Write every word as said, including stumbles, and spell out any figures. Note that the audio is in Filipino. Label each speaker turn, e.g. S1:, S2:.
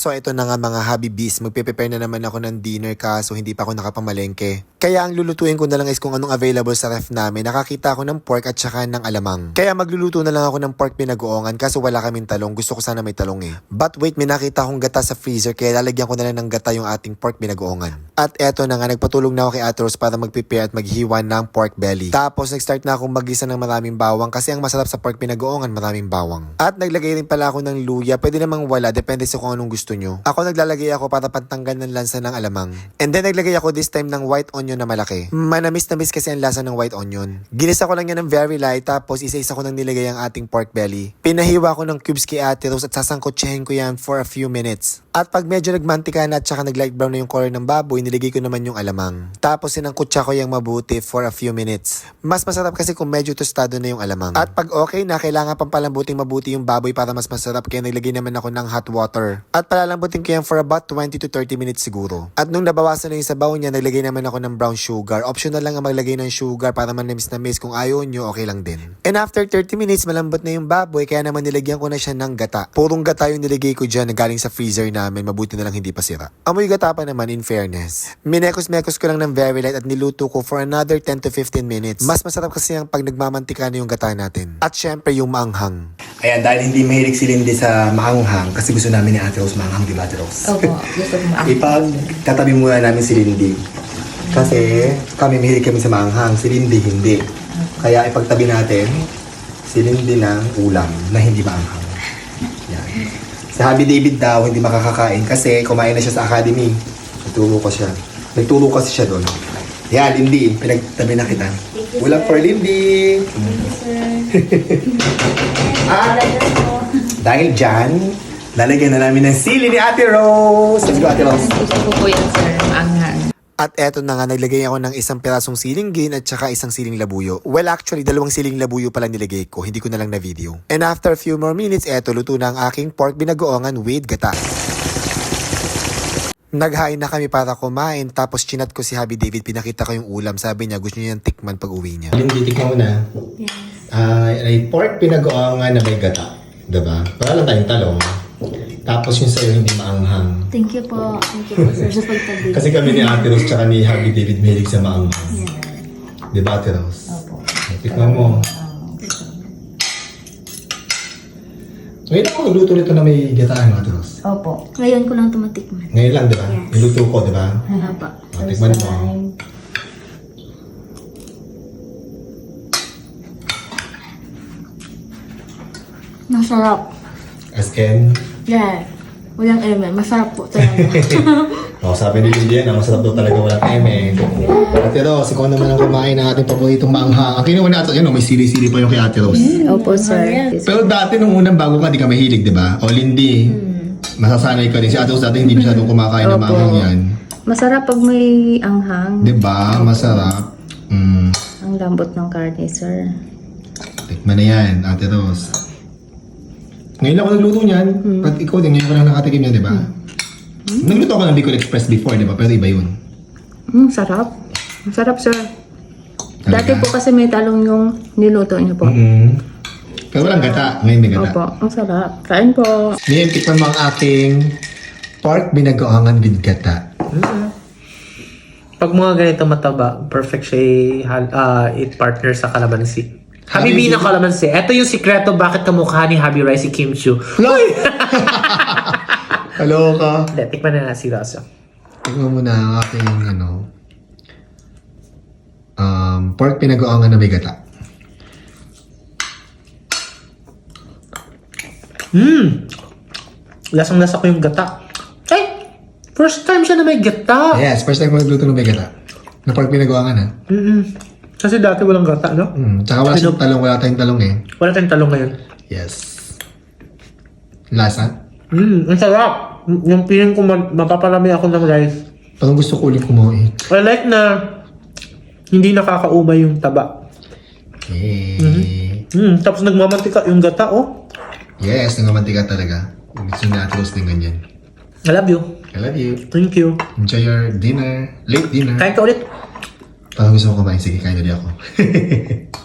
S1: So ito na nga mga Habibis, magpe-prepare na naman ako ng dinner kaso hindi pa ako nakapamalengke. Kaya ang lulutuin ko na lang is kung anong available sa ref namin. Nakakita ako ng pork at saka ng alamang. Kaya magluluto na lang ako ng pork pinagoongan kaso wala kaming talong. Gusto ko sana may talong eh. But wait, may nakita akong gata sa freezer kaya lalagyan ko na lang ng gata yung ating pork pinagoongan. At eto na nga, nagpatulong na ako kay Ate Rose para mag-prepare at maghiwa ng pork belly. Tapos nag-start na akong mag-isa ng maraming bawang kasi ang masarap sa pork pinagoongan maraming bawang. At naglagay rin pala ako ng luya. Pwede namang wala, depende sa kung anong gusto nyo. Ako naglalagay ako para pantanggal ng lansa ng alamang. And then naglagay ako this time ng white onion na malaki. Manamis na miss kasi ang lasa ng white onion. Ginisa ko lang yan ng very light tapos isa-isa ko nang nilagay ang ating pork belly. Pinahiwa ko ng cubes kay Ate Rose at sasangkotsahin ko yan for a few minutes. At pag medyo nagmantika na at saka nag-light brown na yung color ng baboy, nilagay ko naman yung alamang. Tapos sinangkotsa ko yung mabuti for a few minutes. Mas masarap kasi kung medyo tostado na yung alamang. At pag okay na, kailangan pang palambuting mabuti yung baboy para mas masarap kaya naglagay naman ako ng hot water. At palalambutin ko yan for about twenty to thirty minutes siguro. At nung nabawasan na yung sabaw niya, naglagay naman ako ng brown sugar. Optional lang ang maglagay ng sugar para manamis na miss. Kung ayaw nyo, okay lang din. And after thirty minutes, malambot na yung baboy kaya naman nilagyan ko na siya ng gata. Purong gata yung nilagay ko dyan na galing sa freezer namin. Mabuti na lang hindi pa sira. Amoy gata pa naman in fairness. Minekos-mekos ko lang ng very light at niluto ko for another ten to fifteen minutes. Mas masarap kasi yung pag nagmamantika na yung gata natin. At syempre yung maanghang.
S2: Ayan, dahil hindi mahilig si Lindy sa maanghang, kasi gusto namin ni Ate Rose maanghang, di ba Ate Rose?
S3: Opo, gusto ko maanghang.
S2: Ipagtatabi muna namin si Lindy. Kasi kami mahilig kami sa maanghang, si Lindy hindi. Kaya ipagtabi natin si Lindy ng ulam na hindi maanghang. Yan. Si Habi David daw hindi makakakain kasi kumain na siya sa academy. Nagturo ko siya. Nagturo kasi siya doon. Yan, Lindy, pinagtabi na kita. Ulam for Lindy!
S3: Thank you, sir.
S2: Ah, dahil dyan, lalagyan na namin ng sili ni Ate Rose. Let's go, Ate Rose.
S3: Gusto ko po yan, sir. Maanghang.
S1: At eto na nga, naglagay ako ng isang pirasong siling green at saka isang siling labuyo. Well, actually, dalawang siling labuyo pala nilagay ko. Hindi ko na lang na video. And after a few more minutes, eto, luto na ang aking pork binagoongan with gata. Naghain na kami para kumain, tapos chinat ko si Habi David, pinakita ko yung ulam. Sabi niya, gusto niya yung tikman pag uwi niya.
S2: Lindy, tikman mo na.
S3: Yes.
S2: Uh, ay pork pinagoongan na may gata. Diba? Wala lang tayong talong. Tapos yung sa'yo hindi maanghang.
S3: Thank you po. Thank you po, sir, sa pagtabi.
S2: Kasi kami ni Ate Rose tsaka ni Habi David mahilig sa maanghang.
S3: Yeah.
S2: Diba, Ate Rose?
S3: Opo.
S2: Tikman mo. Ngayon ako nagluto nito na may gataan, Ate Rose.
S3: Opo. Ngayon ko lang tumatikman.
S2: Ngayon lang, diba?
S3: Yes.
S2: Niluto ko, diba?
S3: Opo.
S2: Oh, tikman mo.
S3: Masarap.
S2: As in,
S3: Yeah. Walang eme. Masarap po talaga.
S2: oh, sabi ni Lindy yan, masarap daw talaga walang eme. Ate Rose, ikaw naman ang kumain ng ating paboritong maanghang. Ang kinuha natin, yun, oh, may sili-sili pa yung kay Ate Rose.
S3: Opo, sir.
S2: Pero dati nung unang bago ka, di ka mahilig, di ba? O Lindy, masasanay ka din. Si Ate Rose dati hindi masyadong kumakain ng
S3: Opo.
S2: maanghang yan.
S3: Masarap pag may anghang.
S2: Di ba? Masarap. Mm.
S3: Ang lambot ng karne, sir.
S2: Tikman na yan, Ate Rose. Ngayon lang ako nagluto niyan. But ikaw din, ngayon ko lang nakatikim yan, di ba? Nagluto ako ng Bicol Express before, di ba? Pero iba yun.
S3: Mm, sarap. Masarap, sir.
S2: Talaga?
S3: Dati po kasi may talong yung niluto niyo po.
S2: Mm. Pero walang gata. Ngayon may gata.
S3: Opo, ang sarap. Kain po.
S2: Ngayon, tikman mo ang ating pork binagoangan with gata.
S4: Pag mga ganito mataba, perfect siya uh, it partner sa kalamansi. Habibi ng kalamansi. Ito yung sikreto bakit kamukha ni Habi Rice si Kim Chiu.
S2: Uy! Hello ka.
S4: Hindi, tikman na na si Rasa.
S2: Tikman mo na ang ating, ano, um, pork binagoangan na may gata.
S4: Hmm! Lasang-lasa ko yung gata. Eh! First time siya na may gata.
S2: Yes, first time ko nagluto ng may gata. Na pork binagoangan, ha?
S4: Mm-mm. Kasi dati walang gata, no?
S2: Mm. Tsaka wala siyang talong, wala tayong talong eh.
S4: Wala tayong talong ngayon.
S2: Yes. Lasa?
S4: Hmm, ang sarap. Yung feeling ko ma- mapaparami ako ng rice.
S2: Parang gusto ko ulit kumain.
S4: I like na hindi nakakaumay yung taba.
S2: Okay.
S4: Hmm, tapos nagmamantika yung gata, oh.
S2: Yes, nangamantika talaga. Gusto ni Ate Rose din ganyan.
S4: I love you.
S2: I love you.
S4: Thank you.
S2: Enjoy your dinner. Late dinner.
S4: Kain ka ulit.
S2: Parang gusto ko kumain. Sige, kain ulit ako.